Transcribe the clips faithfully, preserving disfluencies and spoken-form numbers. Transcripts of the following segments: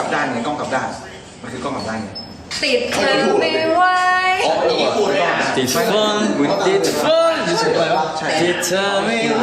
บด้านไงกล้องกลับด้านมันคือกล้องกลับด้านไงติดเธอไม่ไหวติดฝนติดฝนติดเธอไม่ไหว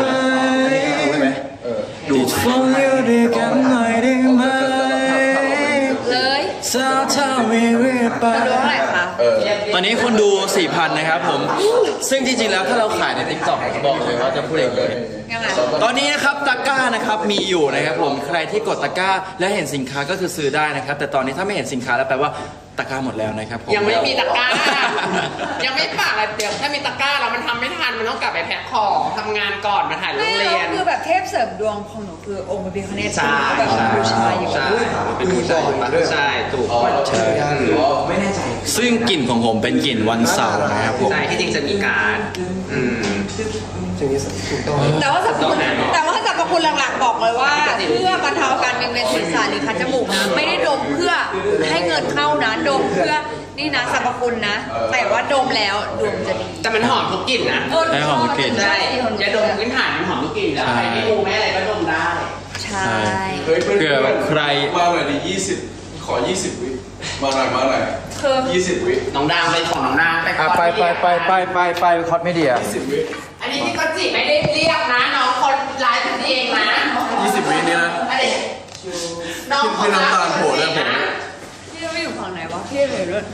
ติดฝนอยู่ด้วยกันหน่อยได้ไหมเลยสาวเธอไม่เรียบไปดูเท่าไหร่คะตอนนี้คนดู สี่พัน นะครับผมซึ่งจริงๆแล้วถ้าเราขายใน ติ๊กต็อก บอกเลยว่าจะพูดเองเลยตอนนี้นะครับตะกร้านะครับมีอยู่นะครับผมใครที่กดตะกร้าและเห็นสินค้าก็คือซื้อได้นะครับแต่ตอนนี้ถ้าไม่เห็นสินค้าแล้วแปลว่าตะกร้าหมดแล้วนะครับผมยังไม่มีตะกร้ายังไม่ปากอะไรเดี๋ยวถ้ามีตะกร้าแล้วมันทำไม่ทันมันต้องกลับไปแพ็คของทำงานก่อนมาถ่ายโรงเรียนคือแบบเทพเสริมดวงของหนูคือองค์พระพิฆเนศแบบบูชาอยู่เป็นบูชาใช่ถูกใช่ไม่แน่ใจซึ่งกลิ่นของผมเป็นกลิ่นวันเสาร์นะครับผมใช่ที่จริงจะมีการอืมแต่ว่าสรรพคุณแต่ว่าสรรพคุณหลักๆบอกเลยว่าเพื่อบรรเทาการเวียนเวียนศีรษะหรือคัดจมูกนะไม่ได้ดมเพื่อให้เงินเข้านะดมเพื่อนี่นะสรรพคุณนะแต่ว่าดมแล้วดวงจะดีแต่มันหอมทุกกลิ่นนะใช่หอมทุกกลิ่นใช่ยาดมพื้นฐานมันหอมทุกกลิ่นแล้วใครไม่รู้แม่อะไรก็ดมได้ใช่เผื่อใครมาหน่อยดิยี่สิบขอยี่สิบวิมาหน่อยมาหน่อยคือยี่สิบวิน้องดางไปของน้องดางไปไปไปไปไปไปไปคอสเมเดียยี่สิบวิอันนี้พี่ก็จีไม่ได้เรียกนะน้องคนไลฟ์เองนะยี่สิบวินี่นะน้องพี่น้ำตาลโผล่เลยผมพี่ไม่อยู่ฝั่งไหนวะพี่เลยด้วย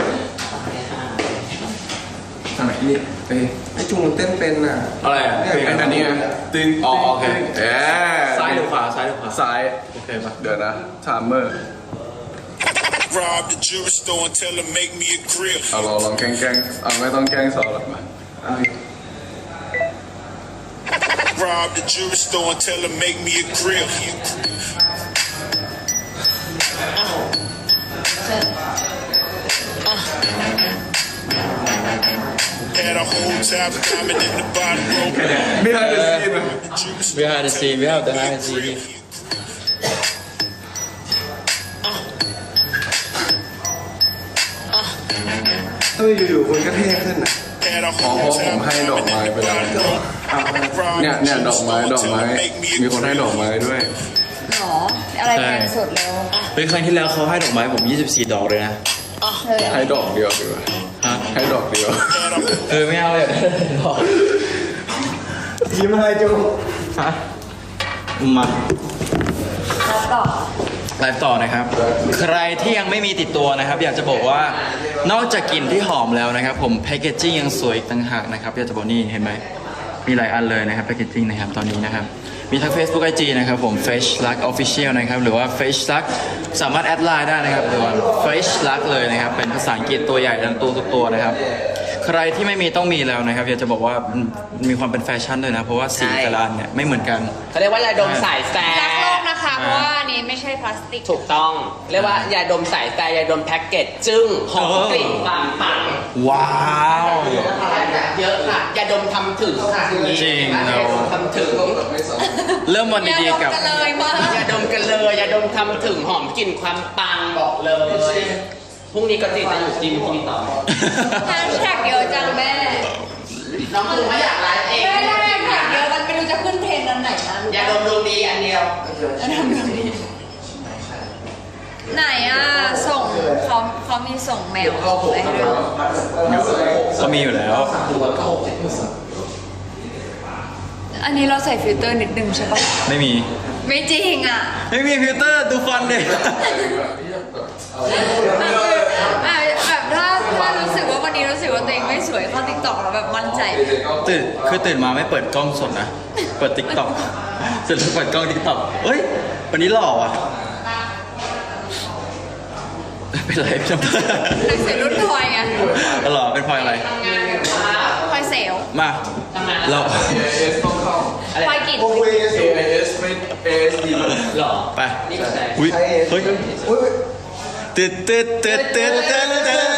ทำไมนี่เอ้ยไอ้จุงมันเต้นเป็นอ่ะอะไรอ่ะเพลงอันนี้ไงตึงอ๋อโอเคเอ๊ะซ้ายหรือขวาซ้ายหรือขวาซ้ายโอเคปะเดี๋ยวนะไทม์เมอร์ Rob the jewelry store and tell them make me a grill เอาลองลองแกล้งแกล้งเอาไม่ต้องแกล้งสอนหรอกมา Rob the jewelry store and tell them make me a grill Had a whole time climbing in the bottom rope Behind the scene Behind the scene Behind the scene เฮ้ยอยู่ๆคนก็เท่ขึ้นนะอ๋อเพราะผมให้ดอกไม้ไปแล้วเนี่ยเนี่ยดอกไม้ดอกไม้มีคนให้ดอกไม้ด้วยหรออะไรแพงสุดแล้วเป็นครั้งที่แล้วเขาให้ดอกไม้ผมยี่สิบสี่ดอกเลยนะให้ดอกเดียวดีกว่าให้ดอกเดียวเออไม่เอาเลยดอกยิ้มอะไรจูฮะมาต่อไลฟ์ต่อนะครับใครที่ยังไม่มีติดตัวนะครับอยากจะบอกว่านอกจากกลิ่นที่หอมแล้วนะครับผมแพคเกจจิ้งยังสวยอีกต่างหากนะครับอยากจะบอกนี่เห็นไหมมีหลายอันเลยนะครับแพคเกจจิ้งนะครับตอนนี้นะครับมีทั้ง Facebook ไอ จี นะครับผม Fresh Luck Official นะครับหรือว่า Fresh Luck สามารถแอดไลน์ได้นะครับหรือว่า Fresh Luck เลยนะครับเป็นภาษาอังกฤษตัวใหญ่ทั้งตัวทุกตัวนะครับใครที่ไม่มีต้องมีแล้วนะครับอยากจะบอกว่ามีความเป็นแฟชั่นด้วยนะเพราะว่าสีแต่ละอันเนี่ยไม่เหมือนกันเขาเรียกว่ายาดมสายแฟรักโลกนะคะเพราะว่านี้ไม่ใช่พลาสติกถูกต้องเรียกว่ายาดมสายแฟยาดมแพ็กเกจจึ้งหอมกลิ่นปังปังว้าวเยอะค่ะยาดมทำถึงค่ะจริงเราทำถึงเริ่มวันดีๆกับยาดมกันเลยยาดมทำถึงหอมกลิ่นความปังบอกเลยพรุ่งนี้ก็ติดจะอยู่จิมพรุ่งนี้ต่อแฮชแท็กเยอะจังแม่น้องคือไม่อยากไลฟ์เองแม่ได้แฮชแท็กเยอะมันไม่รู้จะขึ้นเทรนด์อันไหนนะยาดมดวงดีอันเดียวยาดมดวงดีไหนอ่ะส่งเขาเขามีส่งแมวอะไรให้ด้วยเขามีอยู่แล้วอันนี้เราใส่ฟิลเตอร์นิดนึงใช่ปะไม่มีไม่จริงอ่ะไม่มีฟิลเตอร์ดูฟันเลยแบบถ้าถ้ารู้สึกว่าวันนี้รู้สึกว่าตัวเองไม่สวยเข้าติ๊กต็อกแล้วแบบมั่นใจตื่นคือตื่นมาไม่เปิดกล้องสดนะเปิดติ๊กต็อกเสร็จแล้วเปิดกล้องติ๊กต็อกเฮ้ยวันนี้หล่อว่ะเป็นไรพี่น้ำเป็นเสียรุ่นพลอยไงหล่อเป็นพลอยอะไรพลอยเซลมาเราพลอยกิจโอ้ยเอสเอสไม่เอสดีหล่อไปอุ้ยเฮ้ยตึ๊ดตึ๊ดตึ๊ดตึ๊ดตึ๊ดตึ๊ด